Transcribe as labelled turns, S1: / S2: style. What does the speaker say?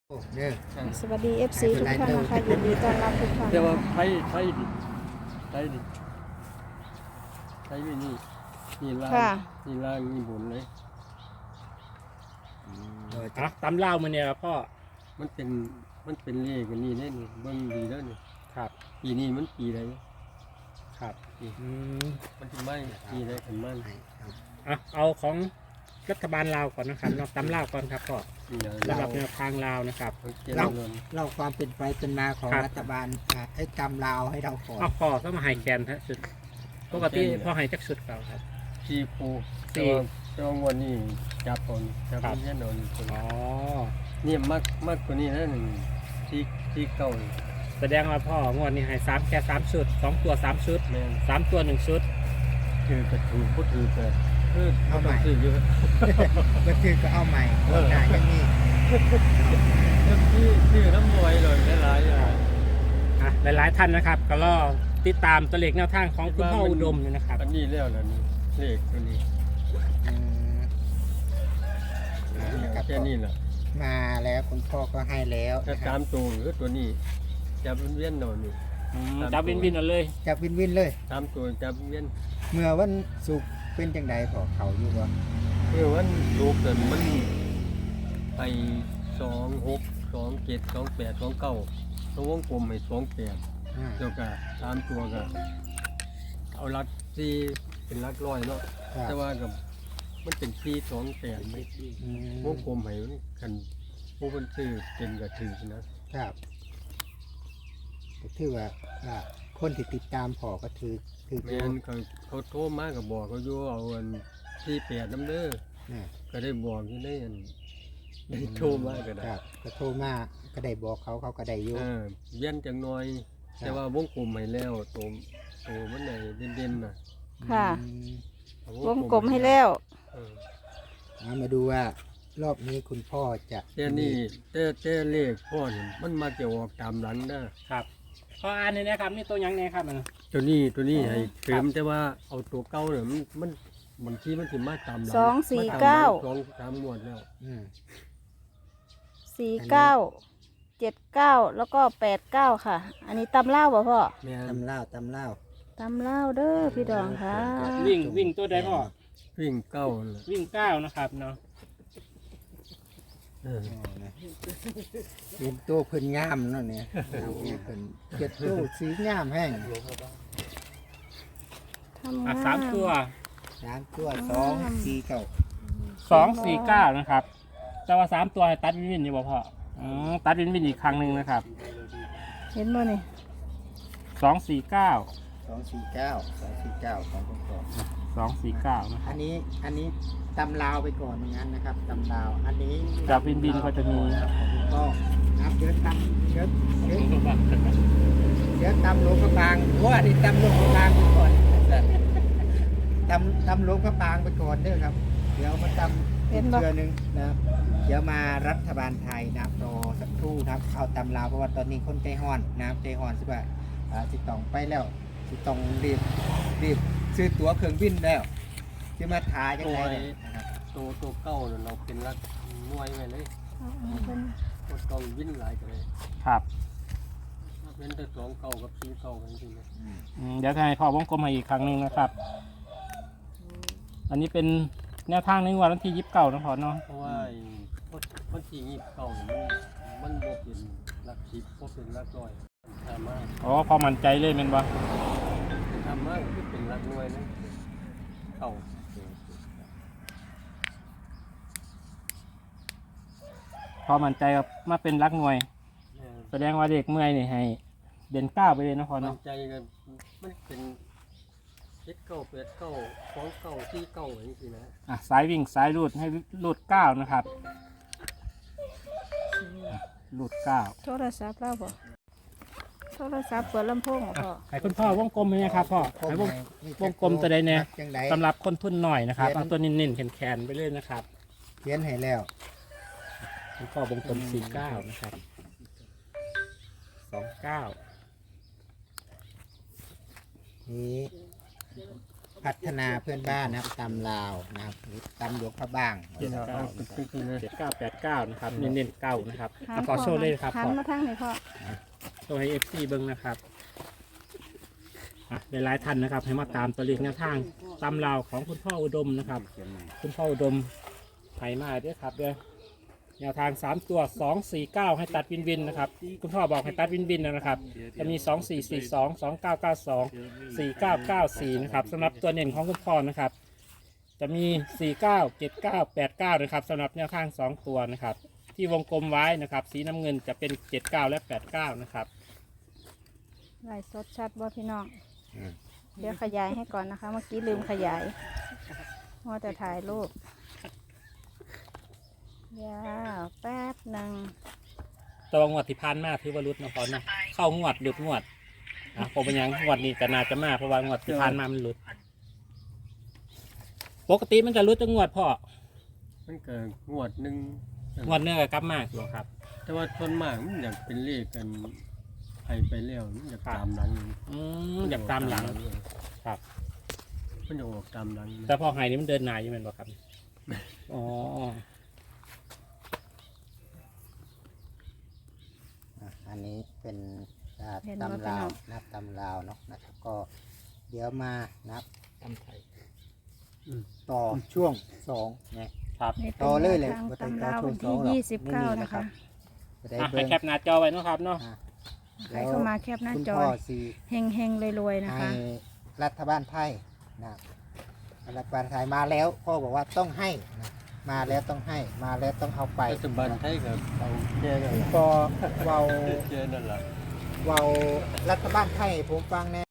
S1: โอ้เนี่ย
S2: สวัสดี FC ทุกท่านนะคะยินดีต้อนรับทุกท่าน
S3: แต่ว่าไทยดิไทยนี่ล่าง
S2: ค่ะ
S3: นี่ล่างนี่บนเลย
S1: ตำเล่ามาเนี่ยพ่อ
S3: มันเป็นเลขกันนี่ได้นี่เบิ่งดีแล้วนี่
S1: ครับ
S3: ปีนี้มันปีอะไร
S1: ครับ
S3: ปี มันถึงไม่ปีอะไรกันมั่น
S1: เอาของรัฐบาลลาวก่อนนะครับเนาะตำเล่าก่อนครับพ่อ
S3: ปีอะไร
S1: สำหรับแนวทางลาวนะครับ
S3: เรา
S4: เล่าความเป็นไปเป็นมาของ
S1: ครับ
S4: รัฐบาลให้จำลาวให้เราก่อน
S1: เอาพ่อต้องมาให้แคนฮะสุดปกติพ่อให้จักสุดเปล่าครับ
S3: สี่ปู
S1: สี่
S3: แต่ว่างวันนี้จับก่อนจับ
S1: ครับ
S3: แน่นอนคน
S1: อ๋อ
S3: นี่มากกว่านี้นะหนึ่งที่เก่า
S1: แสดงว่าพ่องวดนี้ให้แค่3ชุด2ตัว3ชุด
S3: แม่น
S1: 3ตัว1ชุด
S3: ถือกระถูกพูดถือเกิดเอาใหม่ถือเยอะ
S4: ก็คือก็เอาใหม่หน้าอย่างนี้
S3: ที่น้ำมวยเลยหลายๆอย่าง
S1: หลายๆท่านนะครับ ก็รอติดตามตัวเลขแนวทางของคุณพ่ออุดมอยู่นะครับ
S3: อันนี้แล้วนะนี่เลขตัวนี้
S4: ครับ
S3: แค่นี้แหละ
S4: มาแล้วคุณพ่อก็ให้แล้ว
S3: ถ้า
S4: นะค
S3: ตา
S4: รับ
S3: มตัวหรือตัวนี้จับเวียนๆหน่อยนี่
S1: จับวินเอาเลย
S4: จับวินเลย
S3: ตามตัวจับเวียน
S4: เมื่อวันศุกร์เป็นจังใดพอเขาอยู่บ่
S3: เพื่อวันลูกเกิดมันไป26 27 28 29ตัววงกลมให้28 แล้วก็ตามตัวก็เอารักที่เป็นรักร้อยเนาะแต่ว่ากับมันเป็น428ไม่วงกลมให้มันกันผู้คนซื้อเป็นก็ถือนะครับ
S4: ก็ถือว่าคนที่ติดตามพอก็ถือ
S3: แม่นเขาโทรมาก็บอกเขาอยู่เอาอัน48น้ำเด้อ
S4: นะ
S3: ก็ได้บอกอยู่ได้อันได้โทรมาก็ได้
S4: ครับก็โทรมาก็ได้บอกเขาก็ได้อยู่
S3: เวียนจังน้อย แต่ว่าวงกลมให้แล้วตัวมันไหนเด่นๆน่ะ
S2: ค่ะ
S3: เอา
S2: วงกลมให้แล้ว
S3: เออ
S4: มาดูว่ารอบนี้คุณพ่อจะ
S3: แต่นี่แต่เลขพ่อนี่มันมาจะออกตามหลังนะครับ
S1: พ่ออ่านนี่นะครับนี่ตัวยังไงครับมัน
S3: ตัวนี้ให้เติมแต่ว่าเอาตัวเก่าเนี่ยมันบางทีมันสิมาตามหลัง
S2: 249
S3: มาตามหลัง2-3งวดแล้ว
S2: 49 แล้วก็89ค่ะ อันนี้ตำเล่าบ่พ่อ
S3: แม่น
S4: ตำเล่า
S2: ตำเล่าเด้อพี่ดองค่ะ
S1: วิ่งตัวใดพ่อ
S3: วิ่งเก้าน่ะ
S1: วิ่ง9นะครับเนาะ
S3: เออ
S4: เป็นตัวเพิ่นงามเนาะเนี่ยเอาเพิ่นเก็ดตู้สีงามแห้ง
S2: ทำงาน
S1: 3ตัว
S4: 3ตัว2 4 9
S1: 249นะครับแต่ว่า3ตัวให้ตัดวินอยู่บ่พ่อตัดวินอีกครั้งหนึ่งนะครับ
S2: เห็นบ่นี่
S1: 249
S4: 249ของคุณพ่อ
S1: 249นะครับ
S4: อันนี้ตำลาวไปก่อนอย่างนั้นนะครับตำลาวอันนี้
S1: จากวินก็จะมี
S4: ก็นับเยอะตำเยอะตำหลวงพระบางโอ้อันนี้ตำหลวงพระบางไปก่อนตำหลวงพระบางไปก่อนเด้อครับ เดี๋ยวมาตำอีกเทื่อนึงนะครับเดี๋ยวมารัฐบาลไทยนะครับรอสักครู่นะครับเอาตำลาวเพราะว่าตอนนี้คนใจฮ้อนนะครับใจฮ้อนใช่ป่ะสิต้องไปแล้วสิต้องรีบซื้อตั๋วเครื่องบินแล้วจะมาถ่ายยังไงเนี่ยนะครับ
S3: ตัวเก้าน่ะเราเป็นรักหน่วยไว้เลย
S2: เอาเพิ่น
S3: ตัวเก้าวิ่งหลายกันเลย
S1: ครับ
S3: เว้นแต่2 เก้ากับ4 เก้ากันจริงๆนะ
S1: เดี๋ยวจะให้พ่อวงกลมมาอีกครั้งหนึ่งนะครับ อันนี้เป็นแนวทางในงวดวันที่29นะพ่อเนาะ
S3: เพราะว่าคนที่29มันบ่เป็นรัก10บ่เป็นรักร้อยทำมาก
S1: อ๋อพอมั่นใจเลยแม่นบ่
S3: ทำมากคือเป็นรักหน่วยนะเก้า
S1: พอมั่นใจกับมาเป็นรักหน่วย แสดงว่าเด็กเมื่อยนี่ให้เด่น9ไปเลยนะพ่อ
S3: มั่
S1: เนาะ
S3: นใจกันมันเป็น7 9 8 9 2 9 4 9อย่างนี้นะ
S1: สายวิ่งสายรูดให้รูด9นะครับรูด9
S2: โทรศัพท์เล่าบ่โทรศัพท์เปิดลำโพงบ่พ่อ
S1: ให้คุณพ่อวงกลมเลยนะครับพ่อให้วงกลมตัวใดเนี่ย
S4: จังใด
S1: สำหรับคนทุนหน่อยนะครับเอาตัวนิ่นๆแข็งๆไปเลยนะครับ
S4: เขียนให้แล้ว
S1: คุณพ่อวงกลม49นะครับ29
S4: นี่พัฒนาเพื่อนบ้านนะครับตำลาวนะครับหรือตำหลวงพระบาง
S3: เจ็ดเก้าเป็นคือเลย
S1: 7989นะครับเน้นๆเก้านะครับ
S2: หัน
S1: ขอโชว์เลยครับ
S2: หัน
S1: พ่อ
S2: มาทางไหนพ่อ
S1: โชว์ให้ FC เบิ่งนะครับหลายๆท่านนะครับให้มาตามตัวเลขแนวทางตำราวของคุณพ่ออุดมนะครับ คุณพ่ออุดมไผ่มาด้วยครับเด้อแนวทาง 3 ตัว 249 ให้ตัดวินวินนะครับคุณพ่อบอกให้ตัดวินวินนะครับจะมี 2442 2992 4994นะครับสำหรับตัวเน่นของคุณพ่อนะครับ จะมี 49 79 89นะครับสำหรับแนวทาง 2 ตัวนะครับ ที่วงกลมไว้นะครับ สีน้ำเงินจะเป็น 79 และ 89นะครับ
S2: ไล่สดชัดบ่พี่น้องเดี๋ยวขยายให้ก่อนนะคะ เมื่อกี้ลืมขยายมัวแต่ถ่ายรูปเดี๋ยวแป๊บหนึ่ง
S1: ตัวงวดที่ผ่านมาถือว่ารุดนะพอนะเข้างวดหลุดงวดผมเป็นหยังงวดนี้ก็น่าจะมาเพราะว่างวดที่ผ่านมามันหลุด ปกติมันจะรุดจังงวดพ่อ
S3: มันเกิดงวดหนึ่ง
S1: งวดเนื้อกับกลับมากอยู่ครับ
S3: แต่ว่าส่วนมากมันอยากเป็นเลขกันไปแล้วมันอยากตามหลัง
S1: อยากตามหลังครับ
S3: มันอยากออกตามหลัง
S1: แต่พอไฮนี่มันเดินหนายอยู่แมันบ่ครับอ๋อ
S4: อันนี้เป็นตำลาวนับตำลาวเนาะนะครับก็เดี๋ยวมานับตำไทยต่อช่วง2นะครับ
S2: นี่เป็น
S4: ต่อเลยเลย
S2: ทาง
S4: บ่ต้อง
S2: ตำรา
S4: ต่อ
S2: วัน
S4: ช่วง
S2: ที่
S4: 2หรอก
S2: 29นะคะ
S4: จะได้
S1: ให้
S4: เบิ่ง
S1: แคปหน้าจอไว้เนาะครับเนาะ
S2: ใครเข้ามาแคปหน้า
S4: คุณ
S2: จอ
S4: พ่อสี
S2: เฮงเฮงๆรวยๆนะ
S4: ให้
S2: คะ
S4: รัฐบาลไทยนะครับรัฐบาลไทยมาแล้วพ่อบอกว่าต้องให้นะมาแล้วต้องให้มาแล้วต้องเอาไป
S3: ปัจจุบันไทยกับเอาแค่นั้น
S4: พอเว้า
S3: แค่นั้นแหละ
S4: เว้ารัฐบาลไทยให้ผมฟังแน่